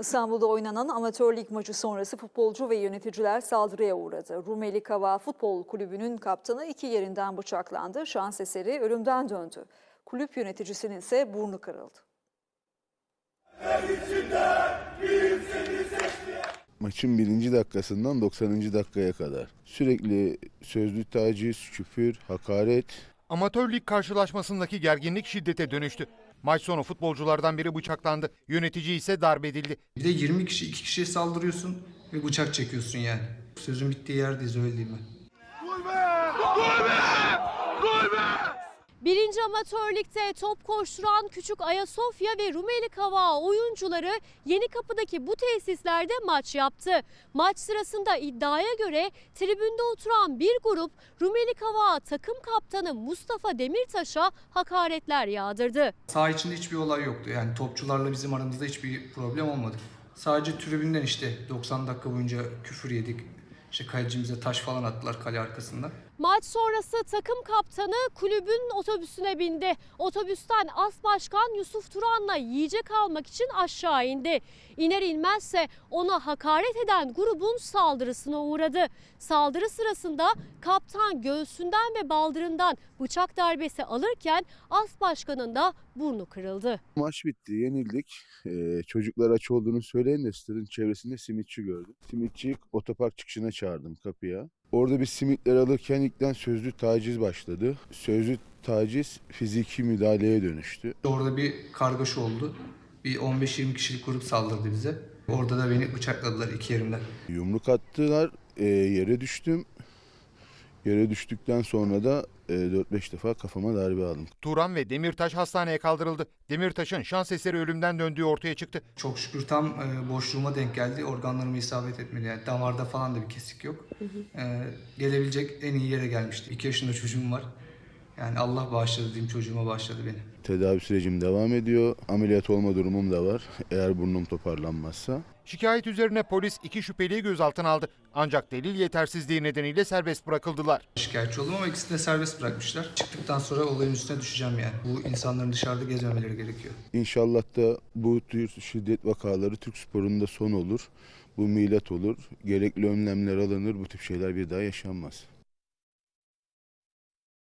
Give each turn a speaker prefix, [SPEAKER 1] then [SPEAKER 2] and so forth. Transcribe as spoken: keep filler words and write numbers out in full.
[SPEAKER 1] İstanbul'da oynanan amatör lig maçı sonrası futbolcu ve yöneticiler saldırıya uğradı. Rumeli Kava Futbol Kulübü'nün kaptanı iki yerinden bıçaklandı. Şans eseri ölümden döndü. Kulüp yöneticisinin ise burnu kırıldı.
[SPEAKER 2] Maçın birinci dakikasından doksanıncı dakikaya kadar sürekli sözlü taciz, küfür, hakaret.
[SPEAKER 3] Amatör lig karşılaşmasındaki gerginlik şiddete dönüştü. Maç sonu futbolculardan biri bıçaklandı. Yönetici ise darp edildi.
[SPEAKER 4] Bir de yirmi kişi iki kişiye saldırıyorsun ve bıçak çekiyorsun yani. Sözün bittiği yerdeyiz, öyle değil mi?
[SPEAKER 5] Birinci Amatör Lig'de top koşturan Küçük Ayasofya ve Rumeli Kava oyuncuları Yenikapı'daki bu tesislerde maç yaptı. Maç sırasında iddiaya göre tribünde oturan bir grup Rumeli Kava takım kaptanı Mustafa Demirtaş'a hakaretler yağdırdı.
[SPEAKER 4] Saha içinde hiçbir olay yoktu. Yani topçularla bizim aramızda hiçbir problem olmadı. Sadece tribünden işte doksan dakika boyunca küfür yedik. İşte kalecimize taş falan attılar kale arkasında.
[SPEAKER 5] Maç sonrası takım kaptanı kulübün otobüsüne bindi. Otobüsten As Başkan Yusuf Turan'la yiyecek almak için aşağı indi. İner inmezse ona hakaret eden grubun saldırısına uğradı. Saldırı sırasında kaptan göğsünden ve baldırından bıçak darbesi alırken As Başkan'ın da burnu kırıldı.
[SPEAKER 2] Maç bitti, yenildik. Ee, çocuklar aç olduğunu söyleyin de stadın çevresinde simitçi gördüm. Simitçiyi otopark çıkışına çağırdım kapıya. Orada bir simitler alırken ilkten sözlü taciz başladı. Sözlü taciz fiziki müdahaleye dönüştü.
[SPEAKER 4] Orada bir kargaşa oldu. Bir on beş yirmi kişilik grup saldırdı bize. Orada da beni bıçakladılar iki yerimden.
[SPEAKER 2] Yumruk attılar, e, yere düştüm. Yere düştükten sonra da e, dört beş defa kafama darbe aldım.
[SPEAKER 3] Turan ve Demirtaş hastaneye kaldırıldı. Demirtaş'ın şans eseri ölümden döndüğü ortaya çıktı.
[SPEAKER 4] Çok şükür tam e, boşluğuma denk geldi. Organlarıma isabet etmedi. Yani damarda falan da bir kesik yok. Hı hı. E, gelebilecek en iyi yere gelmişti. iki yaşında çocuğum var. Yani Allah bağışladı diyeyim, çocuğuma bağışladı beni.
[SPEAKER 2] Tedavi sürecim devam ediyor. Ameliyat olma durumum da var eğer burnum toparlanmazsa.
[SPEAKER 3] Şikayet üzerine polis iki şüpheliyi gözaltına aldı. Ancak delil yetersizliği nedeniyle serbest bırakıldılar.
[SPEAKER 4] Şikayetçi oldum ama ikisini de serbest bırakmışlar. Çıktıktan sonra olayın üstüne düşeceğim yani. Bu insanların dışarıda gezmemeleri gerekiyor.
[SPEAKER 2] İnşallah da bu tür şiddet vakaları Türk sporunda son olur. Bu milat olur. Gerekli önlemler alınır. Bu tip şeyler bir daha yaşanmaz.